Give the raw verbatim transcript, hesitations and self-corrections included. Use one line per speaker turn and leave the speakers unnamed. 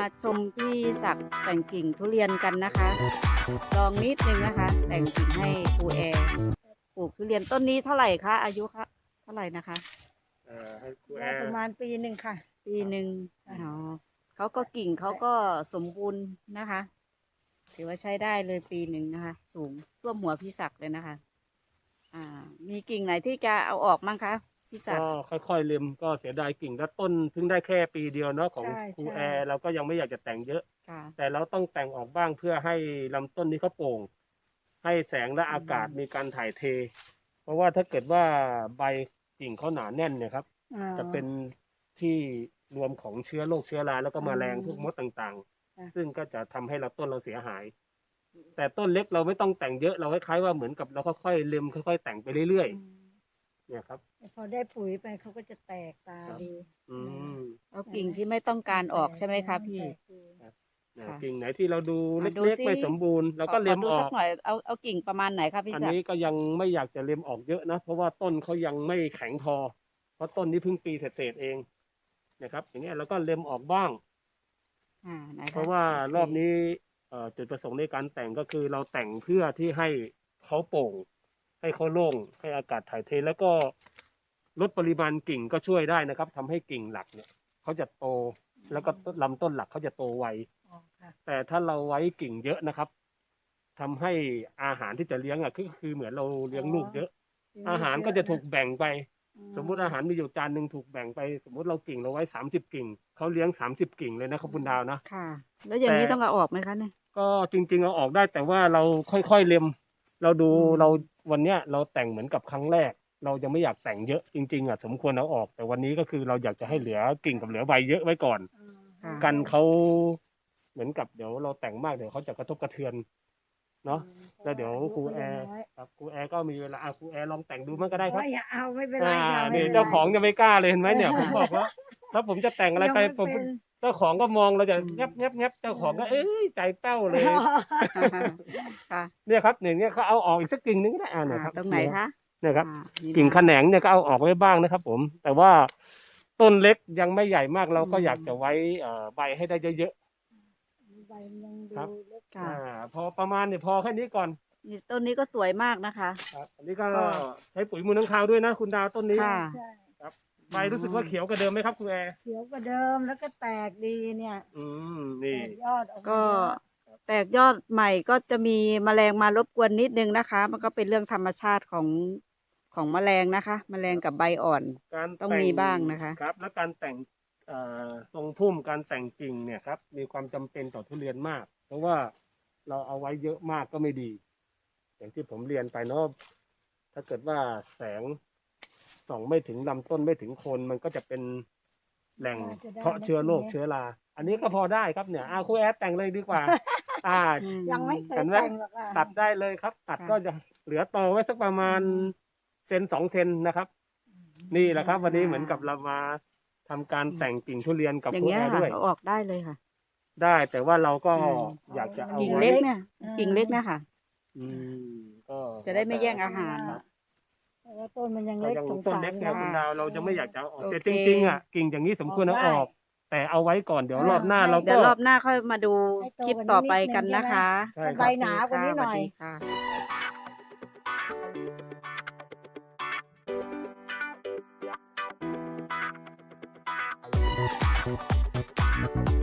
มาชมพี่ศักดิ์แต่งกิ่งทุเรียนกันนะคะลองนิดนึงนะคะ แต่งกิ่งให้ครูแอร์ปลูกทุเรียนต้นนี้เท่าไหร่คะอายุคะเท่าไหร่นะคะ
เอ่อให้ครูแอ
ได้
ร์
ประมาณปีหนึ่งค่ะ
ปีหนึ่งอ๋อเขาก็กิ่งเขาก็สมบูรณ์นะคะ ถือว่าใช้ได้เลยปีหนึ่งนะคะ สูงท่วมหัวพี่ศักดิ์เลยนะคะ อ่า มีกิ่งไหนที่จะเอาออกมั้งคะพี่ศัก
ก็
ดิ์
ค่อยๆเล็มก็เสียดายกิ่งแล้วต้นเพิ่งได้แค่ปีเดียวเนาะของ
ใช่
ครู
ใช่
แอร์เราก็ยังไม่อยากจะแต่งเยอะ
ค่ะ
แต่เราต้องแต่งออกบ้างเพื่อให้ลำต้นนี้เขาโปร่ง ให้แสงและอากาศ
อืม
มีการถ่ายเท เพราะว่าถ้าเกิดว่าใบกิ่งเขาหนาแน่นเนี่ยครับ
อ่า
จะเป็นที่รวมของเชื้อโรคเชื้อราแล้วก็แมลง
อืม
พวกมดต่าง
ค่ะ
ๆ ซึ่งก็จะทำให้เราต้นเราเสียหาย แต่ต้นเล็กเราไม่ต้องแต่งเยอะเราคล้ายๆว่าเหมือนกับเราค่อยๆเล็มค่อยๆแต่งไปเรื่อย
อืม
ๆเนี่ยครับ
พอได้ปุ๋ยไปเขาก็จะแตกตา
ครับ
ดี
อืม
เอากิ่งที่ไม่ต้องการออกใช่ไหมคะพี่
แตกดี
นะ
ค่ะ
กิ่งไหนที่เราดู
อ่ะดู
เล็ก
สิ
ๆไม่สมบูรณ์เราก็
ขอ
เล็ม
ขอดู
ออ
สั
ก
กหน่อยเอาเอากิ่งประมาณไหนคะพี่
อัน
ศัก
นี้
ดิ์
ก็ยังไม่อยากจะเล็มออกเยอะนะเพราะว่าต้นเขายังไม่แข็งพอ เพราะต้นนี้เพิ่งปีเศษๆเองนะครับ อย่างเงี้ยเราก็เล็มออกบ้าง
อ่าไหนค
เพราะว่าร
โเค
อบนี้เอ่อจุดประสงค์ในการแต่งก็คือเราแต่งเพื่อที่ให้เขาโปร่ง ให้เขาโล่งให้อากาศถ่ายเทแล้วก็ลดปริมาณกิ่งก็ช่วยได้นะครับทำให้กิ่งหลักเนี่ยเขาจะโตแล้วก็ลำต้นหลักเขาจะโตไว
อ๋อค่ะ
แต่ถ้าเราไว้กิ่งเยอะนะครับทำให้อาหารที่จะเลี้ยงอ่ะคือคือเหมือนเราเลี้ยงลูกเยอะ อาหารก็จะถูกแบ่งไป สมมุติอาหารมีอยู่จานหนึ่งถูกแบ่งไป สมมุติเรากิ่งเราไว้สามสิบกิ่งเขาเลี้ยงสามสิบกิ่งเลยนะครับคุณดาวนะ
ค่ะ แล้วอย่างนี้
แต่
ต้องเอาออกไหมคะเนี่ย
ก็จริงๆเอาออกได้แต่ว่าเราค่อยๆเล็ม เราดู
อืม
เราวันเนี้ยเราแต่งเหมือนกับครั้งแรก เรายังไม่อยากแต่งเยอะจริงๆอ่ะสมควรเอาออก แต่วันนี้ก็คือเราอยากจะให้เหลือกิ่งกับเหลือใบเยอะไว้ก่อน
ค่ะ
กันเขาเหมือนกับเดี๋ยวเราแต่งมากเดี๋ยวเขาจะกระทบกระเทือนเนาะ แล้วเดี๋ยวครูแอร์ครับครูแอร์ก็มีเวลาอ่ะครูแอร์ลองแต่งดูมันก็ได้ครับ
โอ้ยอย่าเอาไม่เป็นไร
อ่า
ค่ะไม่
นี่
ป็นไร
เจ้าของจะไม่กล้าเลยเห็นไหมเนี่ยผมบอกว่าถ้าผมจะแต่งอะไรไป
ยัง
ผม
เป็น
เจ้าของก็มองเราจะ
อืม
แงบแงบแงบเจ้าของก็เอ้ยใจแป้วเลย
ค่ะ
เนี่ยครับเนี่ยเนี่ยเขาเอาออกอีกสักกิ่งนึงก็ได้อ่าเนี่ย
อ่า
ครับ
ตรงไหนคะ
เนี่ยครับ
อ่านี่
กิ่ง
นะ
แขนงเนี่ยก็เอาออกไว้บ้างนะครับ ผม แต่ว่าต้นเล็กยังไม่ใหญ่มากเราก็
อืม
อยากจะไว้เอ่อใบให้ได้เยอะ
ใบมันยังดู
ครับ
เล็ก
ๆ
ค่ะ
อ่าพอประมาณเนี่ยพอแค่นี้ก่อน
นี่ต้นนี้ก็สวยมากนะคะ
ครับอันนี้ก็
ก็
ใช้ปุ๋ยมูลน้ำคาวด้วยนะคุณดาวต้นนี้
ค่ะ
ใช่
ใบรู้สึกว่าเขียวกว่าเดิมไหมครับคุณแอร์
เขียวกว่าเดิมแล้วก็แตกดีเนี่ย
อืมนี่
แตกยอดออกมา
ก็
เยอะ
แตกยอดใหม่ก็จะมีแมลงมารบกวนนิดนึงนะคะ มันก็เป็นเรื่องธรรมชาติของของแมลงนะคะ แมลงกับใบอ่อน
การ
ต้อง
แต่
มีบ้างนะคะ
ครับ และการแต่งเอ่อทรงพุ่มการแต่งกิ่งเนี่ยครับ มีความจำเป็นต่อทุเรียนมาก เพราะว่าเราเอาไว้เยอะมากก็ไม่ดี อย่างที่ผมเรียนไปเนาะถ้าเกิดว่าแสงส่องไม่ถึงลำต้นไม่ถึงโคนมันก็จะเป็นแหล่งเพาะเชื้อโรคเชื้อราอันนี้ก็พอได้ครับเนี่ยอาครูแอดแต่งเลยดีกว่า อ่า
อืม
ยังไม่เคย
เห็นไหม
แต่งหรอกค่ะ
ตัดได้เลยครับ ตัด
ค่ะ
ก็จะเหลือโตไว้สักประมาณเซนสองเซนนะครับ นี่แหละครับ วันนี้เหมือนกับเรามาทำการแต่งกิ่งทุเรียนกับ
อย่า
ค
ง
รู
เงี้ย
แอร์
ค่ะ
ด้วย
เอาออกได้เลยค่ะ
ได้แต่ว่าเราก็
อืม
อยากจะเอา
กิ่ง
ไว้
เล็กเนี่ย กิ่งเล็กเนะค่ะ
อืมก็
จะได้ไม่แย่งอาหาร
ครับ
แต่ว่าต้นมันยัง
ก็
เล็ก
ยัง
สง
ต้น
สาร
เล็กไง
ค่ะ
คุณดาวเราจะไม่อยากจะเอาออก
โอเค
แต่จริงๆอ่ะกิ่งอย่างนี้สมควรเอาออก แต่เอาไว้ก่อนเดี๋ยวรอบหน้าเรา
เดี๋
ก็
ยวรอบหน้าค่อยมาดู
ให้โต
คลิป
กว่านี้
ต่อไป
นิดนึง
กันนะคะ
ใช่ครับ
ใบหนากว่านี้หน่อย
สวัสดีค่ะ